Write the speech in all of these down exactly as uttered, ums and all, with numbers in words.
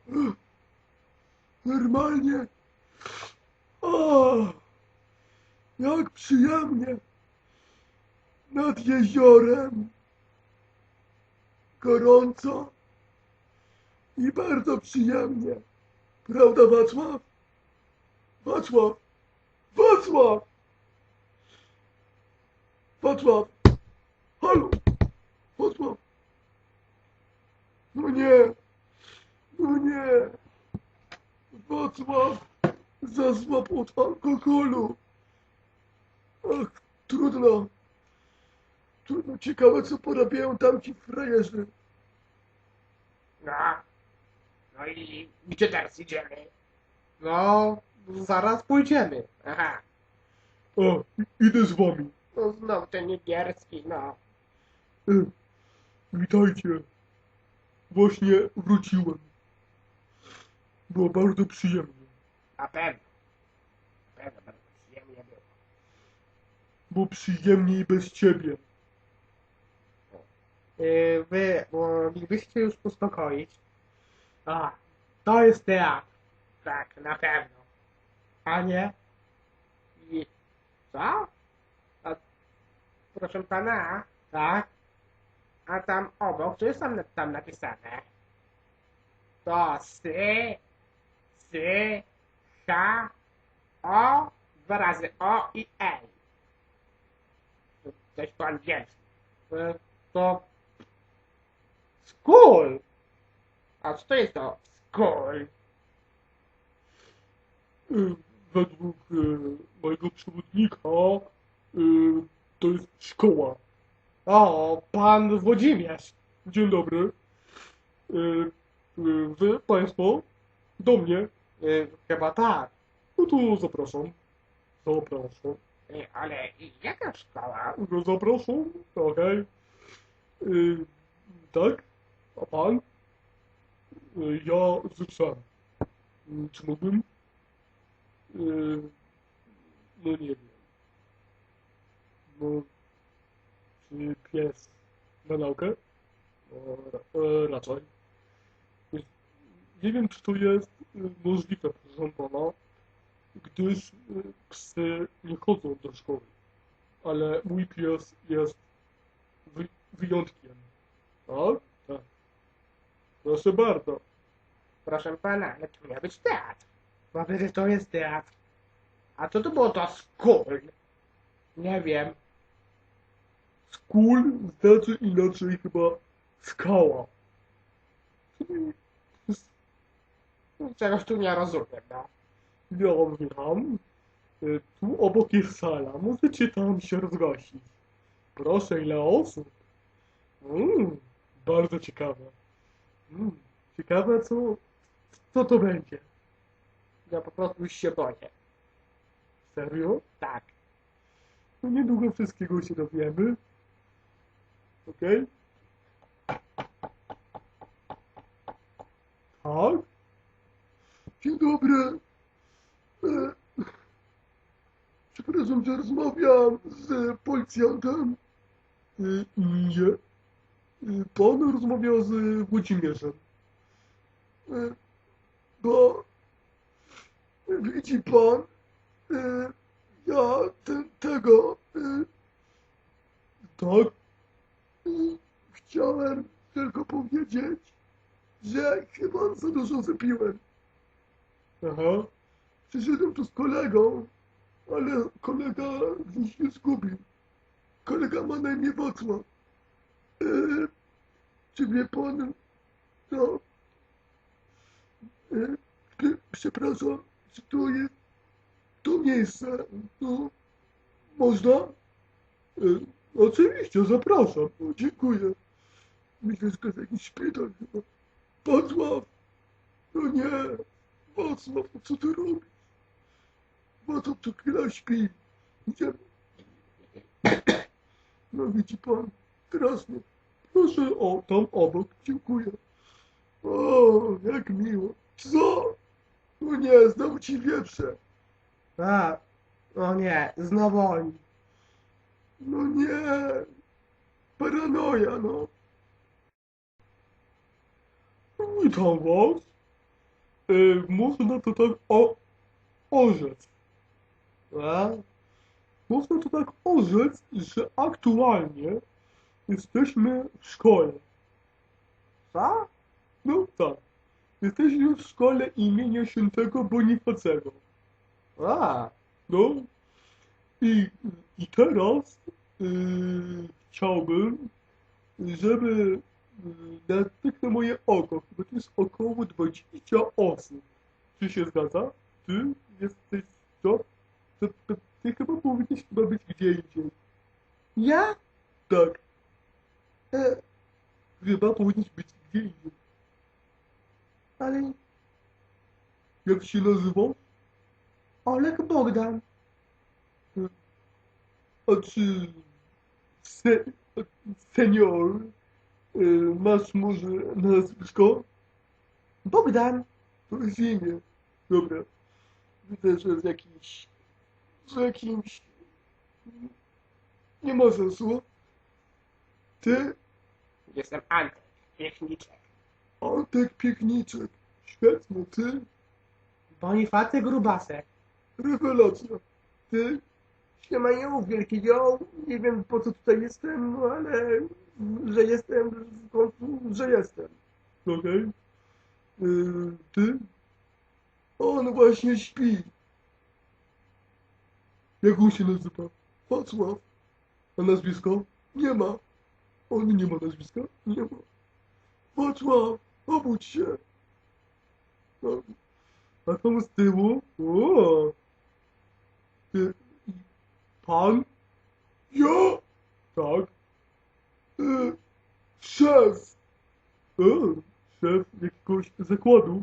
Normalnie. O, jak przyjemnie. Nad jeziorem. Gorąco. I bardzo przyjemnie. Prawda, Wacław? Wacław! Wacław! Wacław! Halo! Wacław! No nie! No nie! Wacław zasłabł od alkoholu. Ach, trudno. Trudno. Ciekawe, co porabiają tamci frajerzy. No. No i gdzie teraz idziemy? No, zaraz pójdziemy. Aha. O, idę z wami. No znowu ten niebieski, no. E, witajcie. Właśnie wróciłem. Było bardzo przyjemnie. Na pewno. Na pewno bardzo przyjemnie było. Było przyjemniej bez ciebie. Yy, wy moglibyście już uspokoić. A, to jest teatr. Tak, na pewno. A nie? I co? A, proszę pana, tak? A tam obok, co jest tam, tam napisane? To sy, sy, ha, o, dwa razy o i ej. To coś po angielsku. Y, To school. A co to jest to school? E, według e, mojego przewodnika e, to jest szkoła. O, pan Włodzimierz. Dzień dobry. E, e, wy, państwo, do mnie. Y, Chyba tak. No to zapraszam. Zapraszam. Y, Ale jaka szkoła? No zapraszam. Okej. E, tak? A pan? E, ja z psem. E, Czy mógłbym? E, no nie wiem. No, czy pies na naukę? No, ra- e, raczej. Więc nie wiem, czy to jest e, możliwe, proszę pana, gdyż e, psy nie chodzą do szkoły, ale mój pies jest wy wyjątkiem. Tak? Tak. Proszę bardzo. Proszę pana, ale to miał być teatr. No przecież to jest teatr. A co to było to school? Nie wiem. Skól znaczy inaczej chyba skała. Czyli Czegoś tu nie rozumiem, no. ja wiem, e, tu obok jest sala, możecie tam się rozgościć. Proszę, ile osób? Mm, bardzo ciekawe. Mm, ciekawe, co, co to będzie. Ja po prostu już się boję. Serio? Tak. No niedługo wszystkiego się dowiemy. Okej? Tak? Dzień dobry. E, przepraszam, że rozmawiam z policjantem. E, nie. E, pan rozmawiał z Włodzimierzem. E, bo widzi pan, e, ja ten, tego, e, tak, e, chciałem tylko powiedzieć, że chyba za dużo wypiłem. Aha. Przyszedłem tu z kolegą, ale kolega gdzieś się zgubił. Kolega ma na imię Wacław. E, czy wie pan, no, e, czy, przepraszam, czy to jest to miejsce, no, można? E, oczywiście, zapraszam, no, dziękuję. Myślę, że to jest jakiś szpital chyba. Wacław! No nie! Wacław, no co ty robisz? Wacław co chwila śpi. Idziemy. No widzi pan, teraz nie. Proszę, o, tam obok, dziękuję. O, jak miło. Co? No nie, znowu ci wieprze. A, o nie, znowu oni. No nie. Paranoja, no. Witam was. e, można to tak o, orzec. A? Można to tak orzec, że aktualnie jesteśmy w szkole. Co? No tak. Jesteśmy w szkole imienia świętego Bonifacego. A, No. I, i teraz yy, chciałbym, żeby yy, na, tak na moje oko, bo to jest około dwadzieścia osób. Czy się zgadza? Ty jesteś co? To, to, ty chyba powinieneś chyba być gdzie indziej. ja? Tak, E, chyba powinieneś być gdzie indziej. ale Jak się nazywa? Olek Bogdan. A czy se, senior, yy, masz może nazwisko? Bogdan. To jest imię. Dobra. Widzę, że z jakiś... z jakimś... Nie ma sensu. Ty, Jestem Antek, Piechniczek. Antek Piekniczek. Świetnie, ty, Bonifacy Grubasek. rewelacja. Ty, Siemaniu, wielki ją. Nie wiem po co tutaj jestem, no ale że jestem, w końcu, że jestem. okej. Yy, ty, on właśnie śpi. Jak on się nazywa? Wacław. A nazwisko? Nie ma. On nie ma nazwiska? Nie ma. Wacław, obudź się. No. A tam z tyłu? O! Ty, pan? Ja? Tak. E, szef. O, szef jakiegoś zakładu.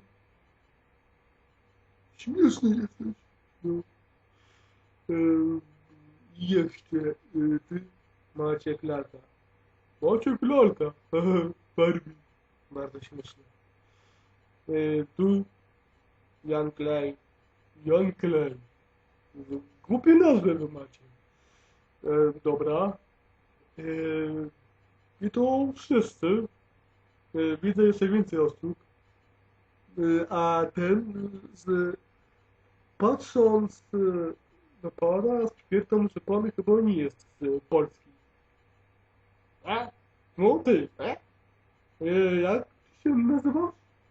Śmieszny jesteś. No. E, jeszcze e, ty? Maciek Lata. Maciek Lalka. Barbie. Bardzo śmiesznie. E, tu Jan Klej. Jan Klej. Głupie nazwy wy macie. E, dobra. E, I to wszyscy. E, widzę jeszcze więcej osób. E, a ten, z, patrząc e, na pana, stwierdzam, że pan chyba nie jest z Polski. E? No ty. E? E, jak się nazywasz?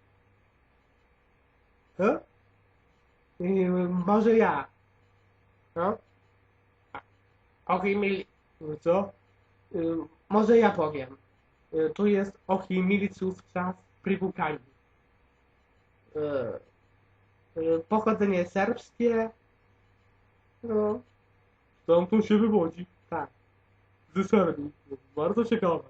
E? I, może ja. No? Ochimili... Co? Y, może ja powiem. Y, tu jest Ochimiliców czas Prywukani. Y, y, pochodzenie serbskie. No, Stamtąd się wywodzi. tak. Z Serbii. Bardzo ciekawe.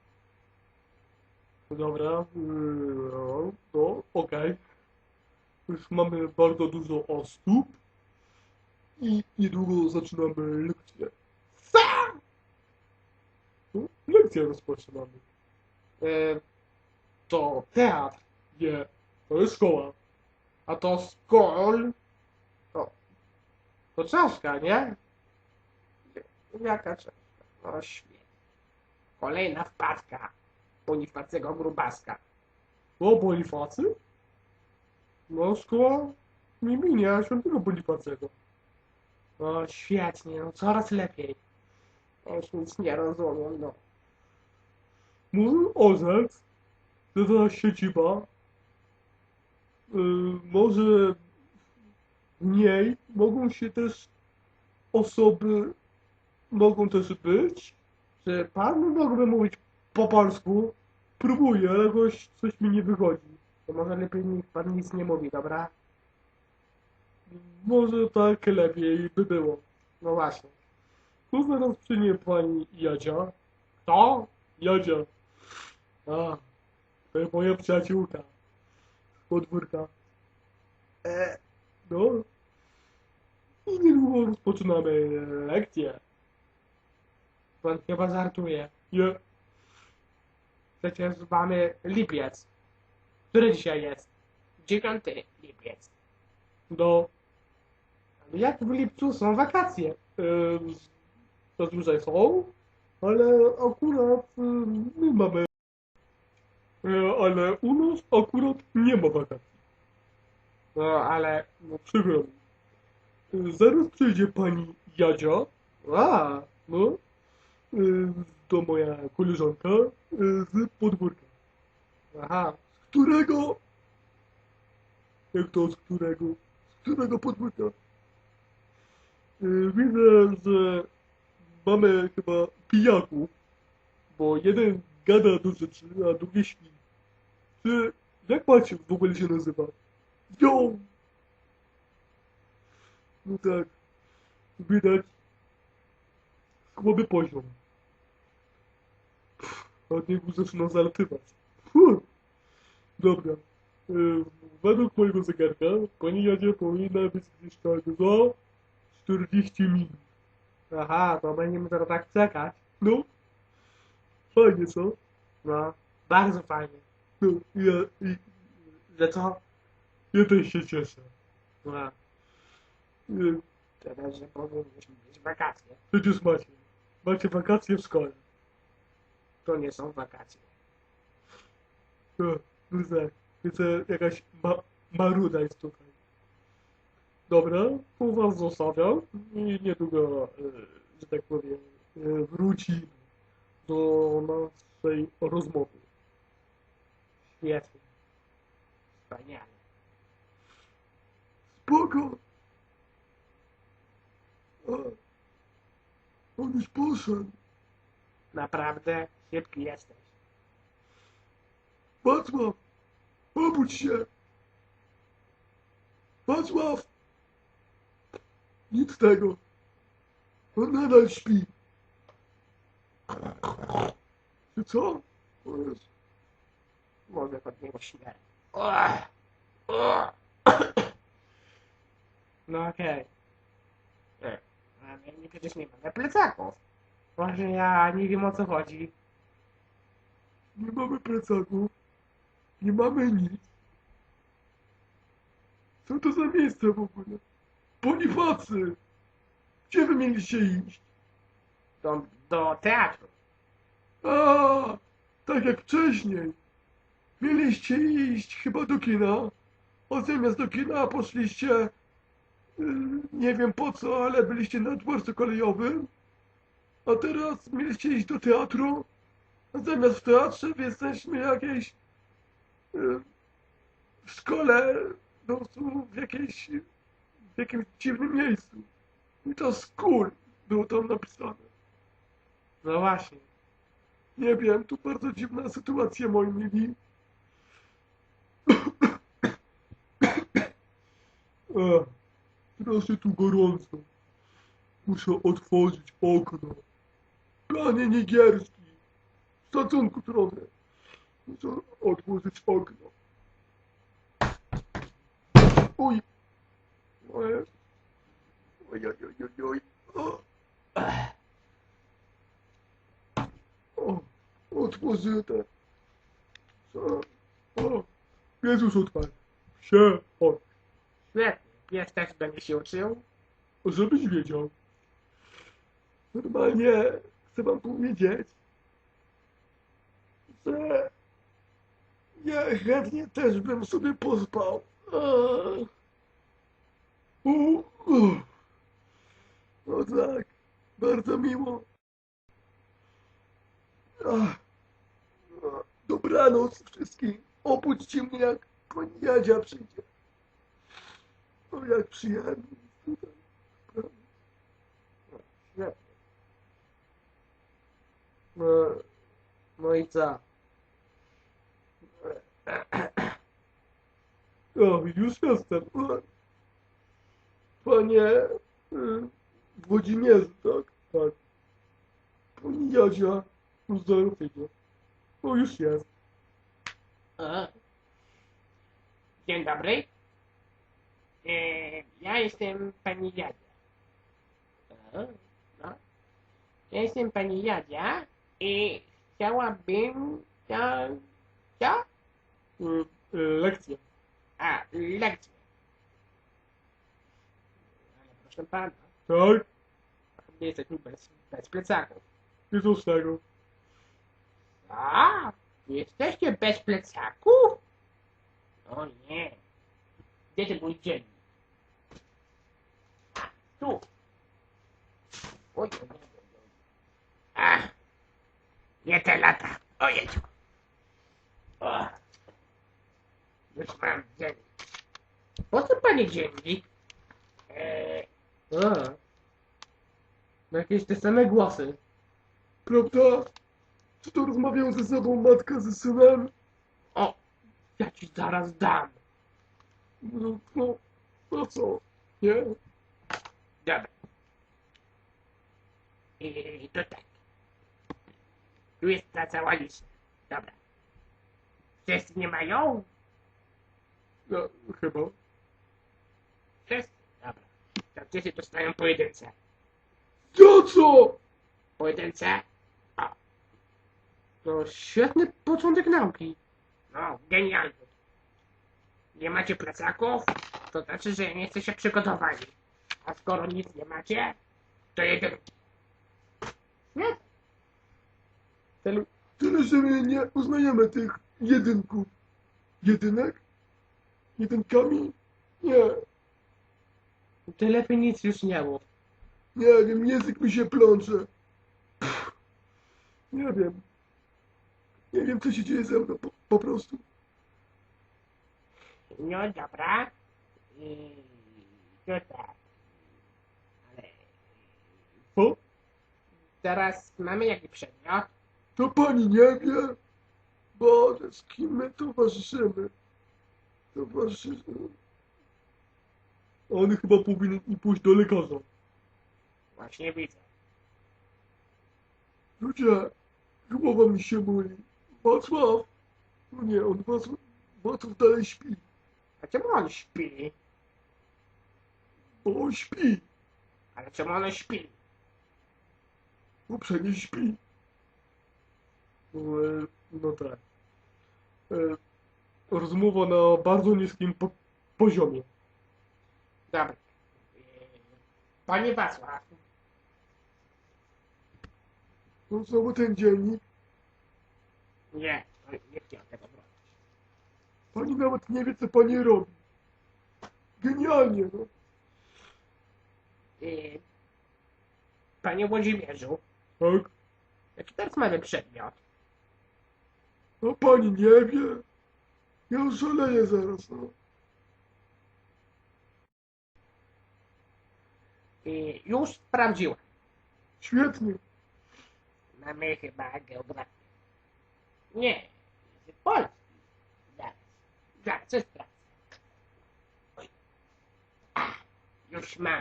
Dobra, yy, no, no okej. Już mamy bardzo dużo osób i niedługo zaczynamy lekcję. Sam! No, lekcję rozpoczynamy. Y, to teatr. Nie, to jest szkoła. A to skol. To, to czaszka, nie? Jaka czaszka? O świetnie. Kolejna wpadka. Bonifacego Grubaska. O, Bonifacy? No, szkoła imienia świętego Bonifacego. O świetnie, no coraz lepiej. Ja już nic nie rozumiem, no. Może orzec, że ta siedziba, yy, może w niej mogą się też osoby, mogą też być, Czy pan mógłby mówić po polsku? próbuję, ale jakoś coś mi nie wychodzi. To może lepiej niech pan nic nie mówi, dobra? Może tak lepiej by było. No właśnie. Tu zaraz przyjmie pani Jadzia. To? Jadzia. A, to jest moja przyjaciółka. Z podwórka. E, No. I niedługo rozpoczynamy lekcję. pan chyba żartuje. Nie, Przecież mamy lipiec. Który dzisiaj jest? Dziewiąty lipiec. no. Jak w lipcu są wakacje? Yy, zazwyczaj są, ale akurat yy, my mamy. Yy, ale u nas akurat nie ma wakacji. No, ale... No przykro mi. Zaraz przyjdzie pani Jadzia, O, no, y, to moja koleżanka y, z podwórka. aha. Z którego? Jak to z którego? Z którego podwórka? Y, Widzę, że mamy chyba pijaków, bo jeden gada do rzeczy, a drugi śpi. Czy, jak macie w ogóle się nazywa? Jo! No tak, widać słaby poziom. A od niego zaczyna zalatywać. Fuh. Dobra. Y, według mojego zegarka pani Jadzie powinna być gdzieś tak za czterdzieści minut. Aha, to będziemy teraz tak czekać. No, fajnie co? No, bardzo fajnie. No, ja, i, Że co? ja też się cieszę. No, Y, teraz, że powinniśmy mieć wakacje. Przecież macie. Macie wakacje w szkole. To nie są wakacje. No, no tak. Widzę, jakaś ma, maruda jest tutaj. Dobra, tu was zostawiam i niedługo, y, że tak powiem, y, wróci do naszej rozmowy. Świetnie. Wspaniale. Spoko! A, on już poszedł. Naprawdę szybki jesteś. Wacław! Obudź się! Wacław! Nic z tego. On nadal śpi. Czy co? O Jezu. Może od niego śmierć. No okej. Okay. Ale nie, przecież nie mamy plecaków. Może ja nie wiem o co chodzi. Nie mamy plecaków. Nie mamy nic. Co to za miejsce w ogóle? Bonifacy! Gdzie wy mieliście iść? Do, do teatru. A, tak jak wcześniej. Mieliście iść chyba do kina, a zamiast do kina poszliście, yy, nie wiem po co, ale byliście na dworcu kolejowym, a teraz mieliście iść do teatru, a zamiast w teatrze wy jesteśmy jakieś yy, w szkole, no w jakiejś, w jakimś dziwnym miejscu. I to school było tam napisane. No właśnie. Nie wiem, tu bardzo dziwna sytuacja, moi mili. Ech, strasznie tu gorąco. Muszę otworzyć okno. Panie Nigierski, szacunku trochę. Muszę otworzyć okno. Uj. Oj, oj, oj, oj, oj, oj. O. O, otworzyłem. Co? O, Jezus otwarty. Się, chodź. Świetnie. Pies też będzie się uczył. Żebyś wiedział. Normalnie chcę wam powiedzieć, że ja chętnie też bym sobie pospał. Eee. U, u. No tak, bardzo miło. Ach. Dobranoc wszystkim. Obudźcie mnie, jak pani Jadzia przyjdzie. O, jak przyjemnie jest tutaj. Świetnie. No, no i co? O, już jestem. O. Panie y, Włodzimierzu, tak? Tak. Pani Jadzia, uzdrowienia. O, już jest. A. Dzień dobry. E, ja jestem pani Jadzia. A, no. Ja jestem pani Jadzia i chciałabym... Ja, co? Y, y, lekcja. A, lekcję. Ale proszę pana, Tak? my jesteśmy bez, bez plecaków. I co z tego? A, jesteście bez plecaków? O nie. Gdzie ten mój dziennik? A, tu. Oj, oj, oj, oj. A, nie te lata. Ojej. O. Już mam dziennik. Po co pani dziennik? Eee, A. No jakieś te same głosy. Prawda? Czy to rozmawiają ze sobą matka ze synem? o, ja ci zaraz dam. No, no, no co? Nie? Dobra. I to tak. Tu jest ta cała lista. Dobra. Wszyscy nie mają? Ja, chyba. Wszyscy? Dobra. To wszyscy dostają pojedyncze. Ja co? Pojedyncze? O, To świetny początek nauki. no, genialny. Nie macie plecaków? To znaczy, że nie jesteście przygotowani. A skoro nic nie macie, to jedynki. Nie? Ten, Tyle, że my nie uznajemy tych jedynków. Jedynek? Jedynkami? Nie. ty lepiej nic już nie mów. Nie wiem, język mi się plącze. Pff, nie wiem. Nie wiem, co się dzieje ze mną, po, po prostu. No dobra. I to tak. Ale O, teraz mamy jaki przedmiot? to pani nie wie? Boże, z kim my towarzyszymy? Towarzyszymy. On chyba powinien i pójść do lekarza. Właśnie widzę. Ludzie, głowa mi się boli. Wacław? No nie, on Wacław, Wacław dalej śpi. A czemu on śpi? Bo on śpi. Ale czemu on śpi? Bo przecież śpi. E, No tak. E, Rozmowa na bardzo niskim po poziomie. Dobra. Yy, Panie Wacław, No znowu ten dziennik. nie, to nie chciałem tego bronić. Pani nawet nie wie, co pani robi. Genialnie, no. Yy, Panie Włodzimierzu, Tak? jaki teraz mamy przedmiot? A pani nie wie? Ja już szaleję zaraz, no. Yy, Już sprawdziłem. Świetnie. Mamy chyba geografię. Nie, język polski. Zaraz, zaraz, coś sprawdzę. Oj. Ach, już mam.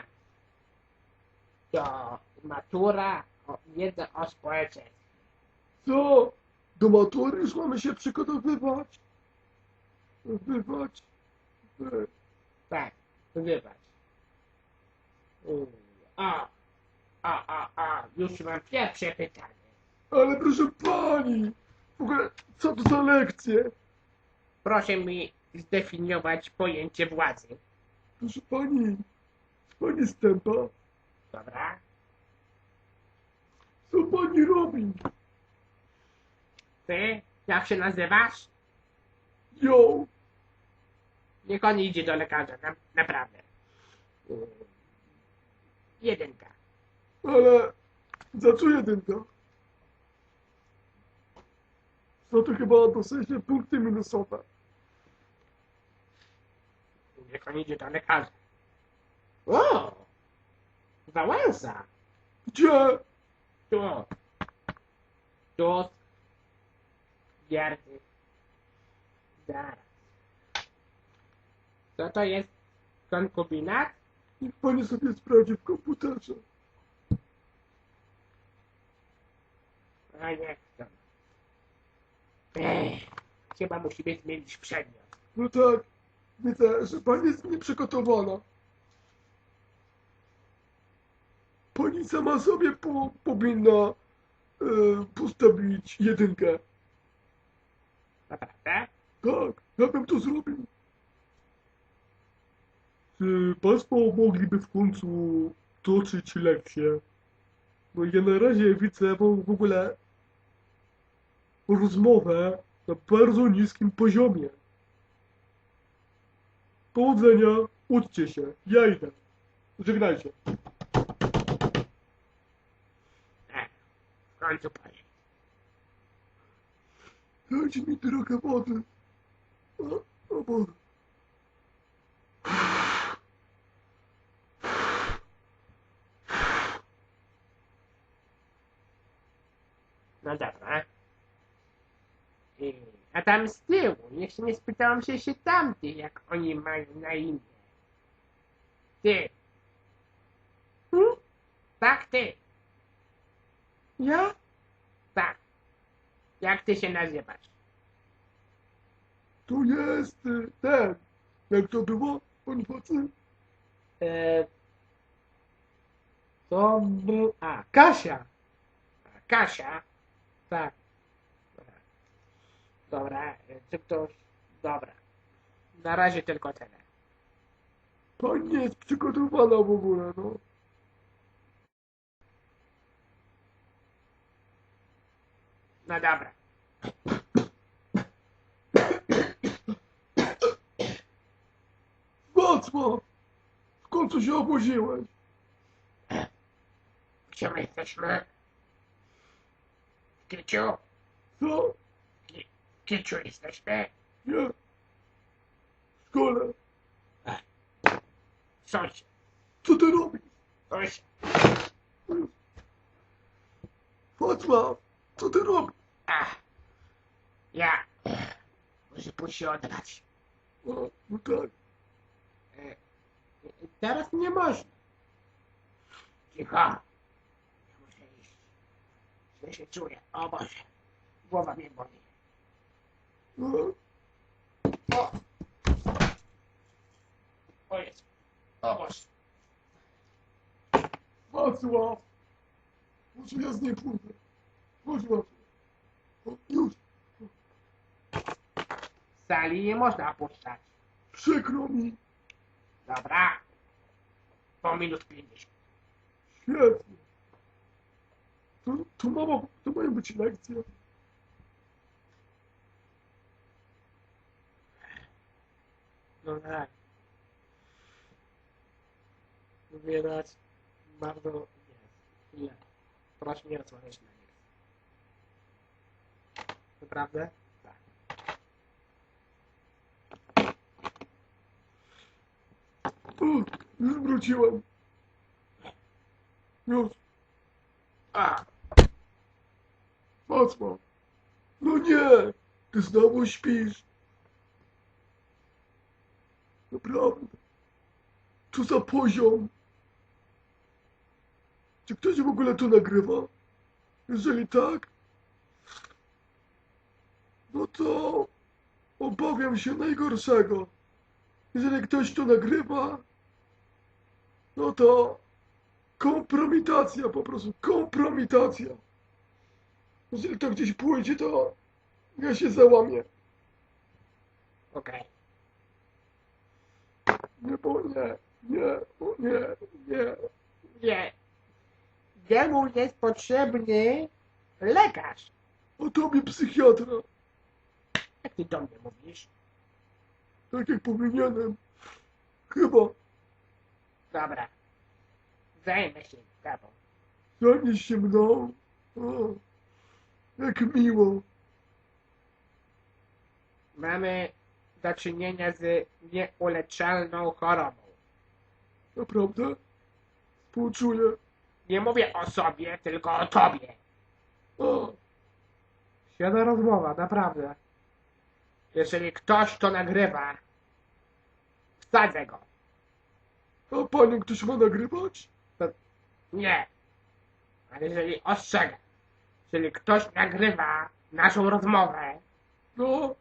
To matura o wiedza o społeczeństwie. Co? Do matury już mamy się przygotowywać? Wywać? Wy. Tak, wybacz. Yy, O, o, o, o, już mam pierwsze pytanie. Ale proszę pani! W ogóle, co to za lekcje? Proszę mi zdefiniować pojęcie władzy. Proszę pani, pani Stępa, Dobra? co pani robi? Ty, jak się nazywasz? Ją, Niech on idzie do lekarza, na, naprawdę. Yy, Jedynka. ale za co jedynka? Co to chyba dosyć punkty minusowe. Niech on idzie do lekarza. O! Wałęsa! Gdzie? Tu. Tu. Gierdy. Zaraz. Co to jest konkubinat? Niech pani sobie sprawdzi w komputerze. A nie chcę. Ech, chyba musimy zmienić przedmiot. No tak, widzę, że pani jest nieprzygotowana. Pani sama sobie po, powinna e, postawić jedynkę. Naprawdę? Tak, ja bym to zrobił. Czy Państwo mogliby w końcu toczyć lekcję? Bo ja na razie widzę w w ogóle rozmowę na bardzo niskim poziomie. Powodzenia, uczcie się, ja idę. Żegnajcie. E, w końcu pojedź. Dajcie mi trochę wody. O, o Boże. No dobra. I, a tam z tyłu, jeszcze nie spytałam się się tamty, jak oni mają na imię. Ty. Hmm? Tak, ty. Ja? Tak. Jak ty się nazywasz? Tu jest y, ten. Jak to było, Bonifacy? E, to był... A, Kasia. A, Kasia? Tak. Dobra, e, czy ktoś... Dobra. Na razie tylko tyle. Pani nie jest przygotowana w ogóle, no. No dobra. Wacław! W końcu się obudziłeś. Gdzie my jesteśmy? W Kiciu? Co? W Kiciu jesteśmy? Nie. W szkole. Sąsiad. Co ty robisz? Sąsiad. Wacław! Co ty robisz? Ach. Ja. Muszę pójść się oddać. O, no tak. E, Teraz nie można. Cicho. Ja muszę iść. Źle się czuję. O Boże. Głowa mnie boli. No, O! O Jezu. O Boże. Wacław! Może ja z niej pójdę. Chodź, Wacław. O, już. Z sali nie można opuszczać. Przykro mi. Dobra. Po minut pięćdziesiąt. Świetnie. To, to, mama, to mają być lekcje. No tak. Widać bardzo jest źle. Proszę nie odsłaniać na nich. Naprawdę? Tak. O, już wróciłem. Już. A, Wacław. No nie. Ty znowu śpisz. Naprawdę. Co za poziom. Czy ktoś w ogóle to nagrywa? Jeżeli tak, no to obawiam się najgorszego. Jeżeli ktoś to nagrywa, no to kompromitacja, po prostu kompromitacja. Jeżeli to gdzieś pójdzie, to ja się załamię. okej. Nie, bo nie, nie, o nie, nie. Nie. Jemu jest potrzebny lekarz. A tobie psychiatra, Jak ty do mnie mówisz? tak jak powinienem. Chyba. Dobra. Zajmę się sprawą. Zajmiesz się mną? O, jak miło. Mamy do czynienia z nieuleczalną chorobą. Naprawdę? Współczuję. Nie mówię o sobie, tylko o tobie. A, Świetna rozmowa, naprawdę. Jeżeli ktoś to nagrywa, wsadzę go. a panią ktoś ma nagrywać? Nie. Ale jeżeli ostrzegam, jeżeli ktoś nagrywa naszą rozmowę, No,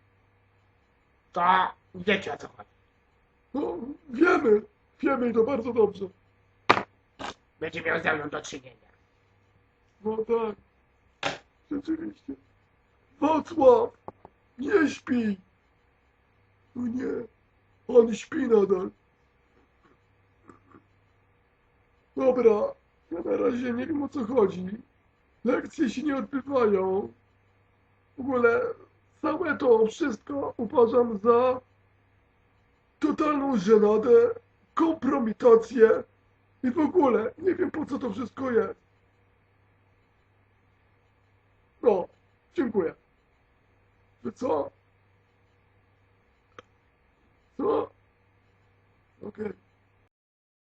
to wiecie o co chodzi. no, wiemy. Wiemy i to bardzo dobrze. Będzie miał ze mną do czynienia. No tak. Rzeczywiście. Wacław! Nie śpi! No nie. On śpi nadal. Dobra. Ja na razie nie wiem o co chodzi. Lekcje się nie odbywają. W ogóle całe to wszystko uważam za totalną żenadę, kompromitację i w ogóle nie wiem, po co to wszystko jest. No, dziękuję. Że co? Co? Okej.